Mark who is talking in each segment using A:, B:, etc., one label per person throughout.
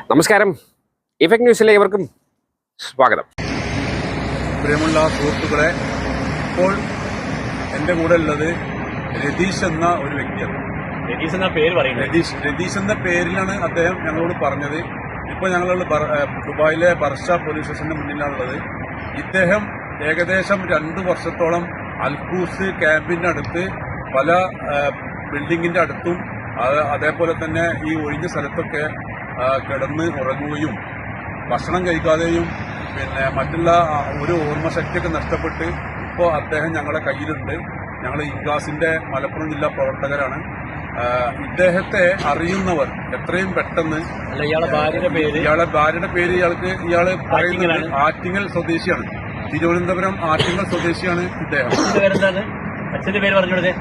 A: നമസ്കാരം. ഇഫക്ട് ന്യൂസിലെ ഏവർക്കും സ്വാഗതം.
B: പ്രിയമുള്ള സുഹൃത്തുക്കളെ, ഇപ്പോൾ എൻ്റെ കൂടെ ഉള്ളത് രതീഷ് എന്ന ഒരു വ്യക്തിയാണ്.
C: രതീഷ് എന്ന പേര് പറയുന്നത്
B: രതീഷ് എന്ന പേരിലാണ് അദ്ദേഹം ഞങ്ങളോട് പറഞ്ഞത്. ഇപ്പോൾ ഞങ്ങളുള്ള ദുബായിലെ ബർഷ പോലീസ് സ്റ്റേഷന്റെ മുന്നിലാണുള്ളത്. ഇദ്ദേഹം ഏകദേശം 2 വർഷത്തോളം അൽഖൂസ് ക്യാമ്പിന്റെ അടുത്ത് പല ബിൽഡിങ്ങിന്റെ അടുത്തും അതേപോലെ തന്നെ ഈ ഒഴിഞ്ഞ സ്ഥലത്തൊക്കെ കിടന്ന് ഉറങ്ങുകയും ഭക്ഷണം കഴിക്കാതെയും പിന്നെ മറ്റുള്ള ഒരു ഓർമ്മശക്തിയൊക്കെ നഷ്ടപ്പെട്ട് ഇപ്പോൾ അദ്ദേഹം ഞങ്ങളുടെ കയ്യിലുണ്ട്. ഞങ്ങൾ ഇൻഗാസിന്റെ മലപ്പുറം ജില്ലാ പ്രവർത്തകരാണ്. ഇദ്ദേഹത്തെ അറിയുന്നവർ എത്രയും പെട്ടെന്ന്
C: ഇയാളെ ഭാര്യയുടെ പേര്
B: ഇയാള് പറയുന്നത് ആറ്റിങ്ങൽ സ്വദേശിയാണ്. തിരുവനന്തപുരം ആറ്റിങ്ങൽ സ്വദേശിയാണ് ഇദ്ദേഹം.
C: അച്ഛന്റെ പേര് പറഞ്ഞോളൂ.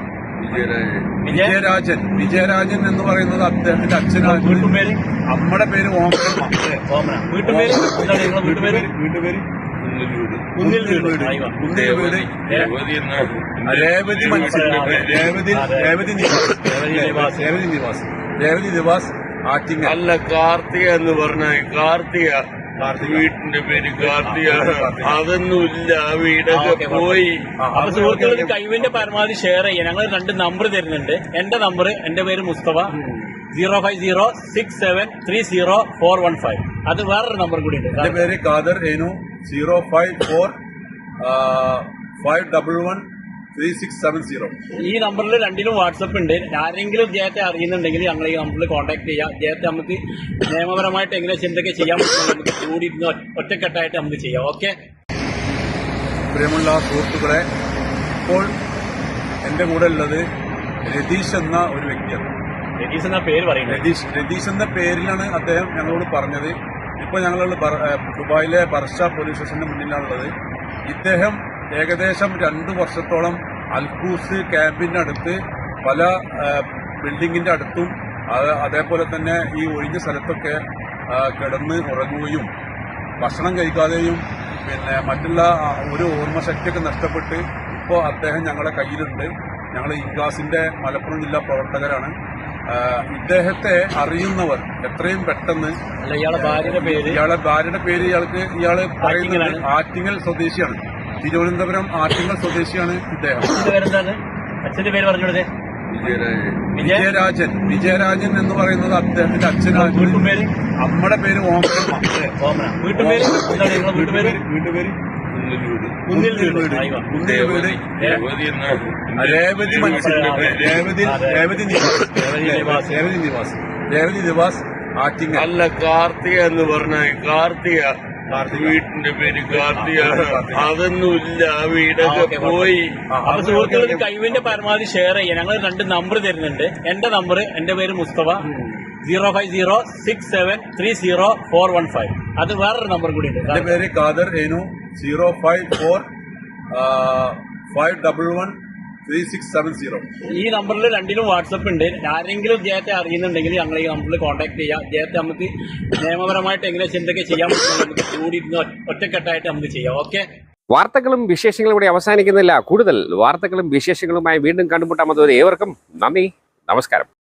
B: വിജയരാജൻ എന്ന് പറയുന്നത് അദ്ദേഹത്തിന്റെ അച്ഛനാണ്. അമ്മയുടെ പേര് ഓമന.
C: വീട്ടുപേര്
B: രേവതി നിവാസ് ആറ്റിങ്ങൽ.
D: അല്ല, കാർത്തിക എന്ന് പറഞ്ഞ കാർത്തിക വീട്ടിന്റെ പേര് കാർത്തിക. അതൊന്നുമില്ല, വീടൊക്കെ പോയി.
C: അപ്പൊ സുഹൃത്തുക്കൾക്ക് കഴിവിന്റെ പരമാവധി ഷെയർ ചെയ്യാൻ ഞങ്ങൾ 2 നമ്പർ തരുന്നുണ്ട്. എന്റെ പേര് മുസ്തഫ. 05067304115. അത് വേറൊരു നമ്പർ കൂടി ഉണ്ട്.
B: എന്റെ പേര് ഖാദർ ഏനു. 054511367.
C: ഈ നമ്പറിൽ 2ലും വാട്സപ്പ് ഉണ്ട്. ആരെങ്കിലും ജയത്തെ അറിയുന്നുണ്ടെങ്കിൽ ഞങ്ങൾ ഈ നമ്പറിൽ കോൺടാക്ട് ചെയ്യാം. ജയത്തെ നമുക്ക് നിയമപരമായിട്ട് എങ്ങനെ എന്തൊക്കെ ചെയ്യാൻ പറ്റും നമുക്ക് കൂടി ഒറ്റക്കെട്ടായിട്ട് നമുക്ക് ചെയ്യാം. ഓക്കെ.
B: പ്രിയമുള്ള സുഹൃത്തുക്കളെ, ഇപ്പോൾ എന്റെ കൂടെ ഉള്ളത് രതീഷ് എന്ന ഒരു വ്യക്തിയാണ്.
C: രതീഷ് എന്ന പേര് പറയുന്നത്
B: രതീഷ് എന്ന പേരിലാണ് അദ്ദേഹം ഞങ്ങളോട് പറഞ്ഞത്. ഇപ്പോൾ ഞങ്ങളുള്ള ദുബായിലെ ബർഷ പോലീസ് സ്റ്റേഷന്റെ മുന്നിലാണുള്ളത്. ഇദ്ദേഹം ഏകദേശം 2 വർഷത്തോളം അൽഖൂസ് ക്യാമ്പിന്റെ അടുത്ത് പല ബിൽഡിങ്ങിന്റെ അടുത്തും അതേപോലെ തന്നെ ഈ ഒഴിഞ്ഞ സ്ഥലത്തൊക്കെ കിടന്ന് ഉറങ്ങുകയും ഭക്ഷണം കഴിക്കാതെയും പിന്നെ മറ്റുള്ള ഒരു ഓർമ്മശക്തിയൊക്കെ നഷ്ടപ്പെട്ട് ഇപ്പോൾ അദ്ദേഹം ഞങ്ങളുടെ കയ്യിലുണ്ട്. ഞങ്ങൾ ഇൻഗാസിന്റെ മലപ്പുറം ജില്ലാ പ്രവർത്തകരാണ്. ഇദ്ദേഹത്തെ അറിയുന്നവർ എത്രയും പെട്ടെന്ന്
C: ഇയാളെ ഭാര്യയുടെ പേര്
B: ഇയാള് പറയുന്നത് ആറ്റിങ്ങൽ സ്വദേശിയാണ്. തിരുവനന്തപുരം ആറ്റിങ്ങൽ സ്വദേശിയാണ് ഇദ്ദേഹം.
C: അച്ഛന്റെ പേര് പറഞ്ഞോളൂ.
B: വിജയരാജൻ എന്ന് പറയുന്നത് അദ്ദേഹത്തിന്റെ അച്ഛനാണ്. അമ്മയുടെ പേര് ഓമന.
C: വീട്ടുപേര്
B: രേവതി നിവാസ് ആറ്റിങ്ങൽ.
D: അല്ല, കാർത്തിക എന്ന് പറഞ്ഞ കാർത്തിക വീട്ടിന്റെ പേര് കാർത്തിക. അതൊന്നുമില്ല, വീടൊക്കെ പോയി.
C: അപ്പൊ സുഹൃത്തുക്കൾക്ക് കഴിവിന്റെ പരമാവധി ഷെയർ ചെയ്യാൻ ഞങ്ങൾ 2 നമ്പർ തരുന്നുണ്ട്. എന്റെ പേര് മുസ്തഫ. 05067304115. അത് വേറൊരു നമ്പർ കൂടി ഉണ്ട്.
B: എന്റെ പേര് ഖാദർ ഏനു. 054511367.
C: ഈ നമ്പറിൽ 2ലും വാട്സപ്പ് ഉണ്ട്. ആരെങ്കിലും ജയത്തെ അറിയുന്നുണ്ടെങ്കിൽ ഞങ്ങൾ ഈ നമ്പറിൽ കോൺടാക്ട് ചെയ്യാം. ജയത്തെ നമുക്ക് നിയമപരമായിട്ട് എങ്ങനെ എന്തൊക്കെ ചെയ്യാൻ പറ്റും നമുക്ക് കൂടി ഒറ്റക്കെട്ടായിട്ട് നമുക്ക് ചെയ്യാം. ഓക്കെ.
A: വാർത്തകളും വിശേഷങ്ങളും ഇവിടെ അവസാനിക്കുന്നില്ല. കൂടുതൽ വാർത്തകളും വിശേഷങ്ങളുമായി വീണ്ടും കണ്ടുമുട്ടാം. അതുവരെ ഏവർക്കും നന്ദി, നമസ്കാരം.